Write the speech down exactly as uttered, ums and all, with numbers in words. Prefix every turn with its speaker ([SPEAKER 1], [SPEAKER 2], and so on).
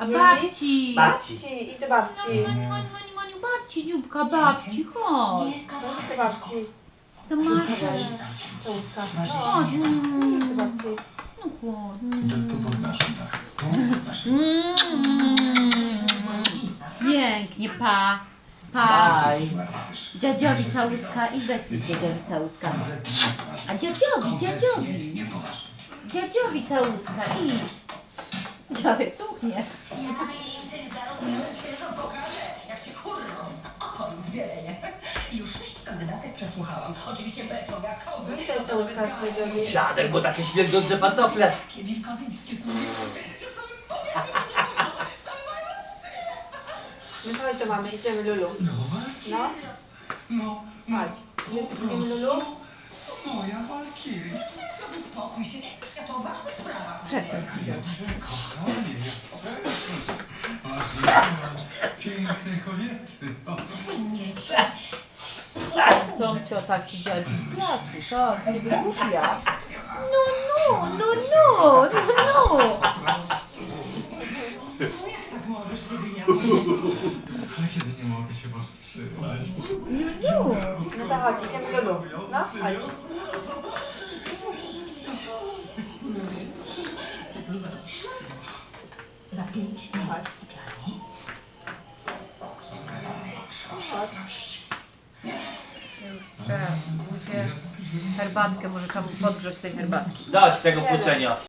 [SPEAKER 1] A babci.
[SPEAKER 2] Babci.
[SPEAKER 3] Babci, idź do babci.
[SPEAKER 1] Goniu, goniu, goniu, goniu, babci, Dziubka, babci, chodź.
[SPEAKER 3] Idź do babci.
[SPEAKER 1] To masz.
[SPEAKER 3] Całuska.
[SPEAKER 1] Chodź.
[SPEAKER 3] Idź do
[SPEAKER 1] Mm.
[SPEAKER 3] babci.
[SPEAKER 1] No chodź.
[SPEAKER 4] Tu pod naszym dachem. Tu pod naszym
[SPEAKER 1] Mm. Pięknie, pa. Pa.
[SPEAKER 2] Bye.
[SPEAKER 1] Dziadziowi całuska i dać mi dziadziowi całuska. A dziadziowi, dziadziowi.
[SPEAKER 4] Niepoważny.
[SPEAKER 1] Dziadziowi całuska, idź. Dziadek cuchnie.
[SPEAKER 5] Jak się hurrą, oko im zbieleje. Już sześć kandydatek przesłuchałam. Oczywiście beczą jak kozy.
[SPEAKER 3] Witaj całuska, dziadziowi.
[SPEAKER 2] Dziadek, bo takie śmierdzące pantofle.
[SPEAKER 5] Takie wilkowyjskie są.
[SPEAKER 3] No chodź do mamy, idziemy Lulu.
[SPEAKER 4] No,
[SPEAKER 3] No,
[SPEAKER 4] no, no.
[SPEAKER 3] chodź. Idziemy Lulu?
[SPEAKER 4] Moja Walkiria.
[SPEAKER 5] Sobie spokój się. Ja to o ważnych sprawach.
[SPEAKER 1] Przestań.
[SPEAKER 4] Kochanie, jak serce. Masz piękne kobiety. O.
[SPEAKER 5] Nie się.
[SPEAKER 1] Tomcio taki dziadek straszy, tak, nie wygłupia. No, no, no, no, no, no.
[SPEAKER 5] Tak możesz, kiedy nie
[SPEAKER 4] Ale kiedy nie mogę się powstrzymać.
[SPEAKER 1] No, no.
[SPEAKER 3] No to chodź, idziemy Lulu. No, chodź.
[SPEAKER 5] to za... Za pięć minut w sypialni.
[SPEAKER 3] Chodź.
[SPEAKER 1] Już trzeba, herbatkę, może trzeba mu podgrzać tej herbatki.
[SPEAKER 2] Dość tego kłócenia.